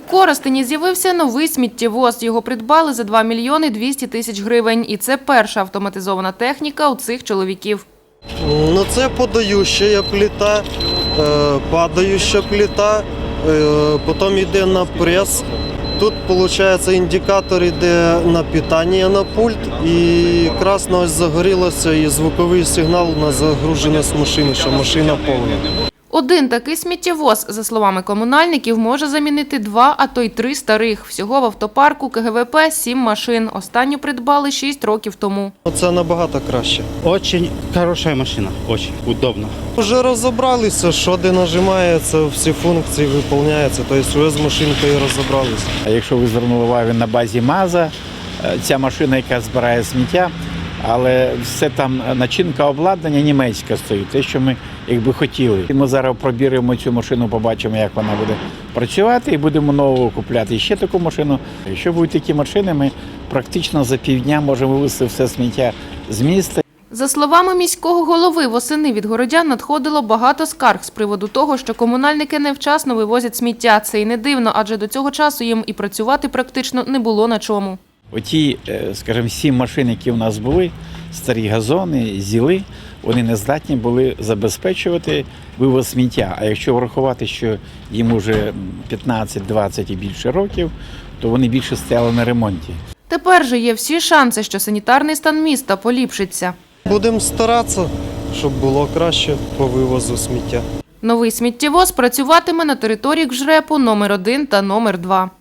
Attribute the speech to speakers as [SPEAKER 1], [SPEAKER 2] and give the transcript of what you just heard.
[SPEAKER 1] Коростені з'явився новий сміттєвоз. Його придбали за 2 мільйони 200 тисяч гривень. І це перша автоматизована техніка у цих чоловіків.
[SPEAKER 2] Ну, це подающа плита, падающа плита, потім йде на прес. Тут, виходить, індикатор йде на питання на пульт, і красно ось загорілося, і звуковий сигнал на загруженість машини, що машина повна.
[SPEAKER 1] Один такий сміттєвоз, за словами комунальників, може замінити 2, а то й 3 старих. Всього в автопарку КГВП 7 машин. Останню придбали 6 років тому.
[SPEAKER 2] Це набагато краще.
[SPEAKER 3] Очень хорошая машина, очень удобно.
[SPEAKER 2] Вже розібралися, що де нажимається, всі функції виконуються, тобто вже з машинкою розібралися.
[SPEAKER 4] А якщо ви звернули увагу на базі МАЗа, ця машина, яка збирає сміття, але все там начинка обладнання німецька стоїть, те, що ми якби хотіли. Ми зараз пробіримо цю машину, побачимо, як вона буде працювати, і будемо нову купляти ще таку машину. Якщо будуть такі машини, ми практично за півдня можемо вивезти все сміття з міста.
[SPEAKER 1] За словами міського голови, восени від городян надходило багато скарг з приводу того, що комунальники невчасно вивозять сміття. Це і не дивно, адже до цього часу їм і працювати практично не було на чому.
[SPEAKER 4] Оті, скажімо, 7 машин, які у нас були, старі газони, зіли, вони не здатні були забезпечувати вивоз сміття. А якщо врахувати, що їм вже 15-20 і більше років, то вони більше стояли на ремонті.
[SPEAKER 1] Тепер же є всі шанси, що санітарний стан міста поліпшиться.
[SPEAKER 2] Будемо старатися, щоб було краще по вивозу сміття.
[SPEAKER 1] Новий сміттєвоз працюватиме на території КЖРЕПу номер 1 та номер 2.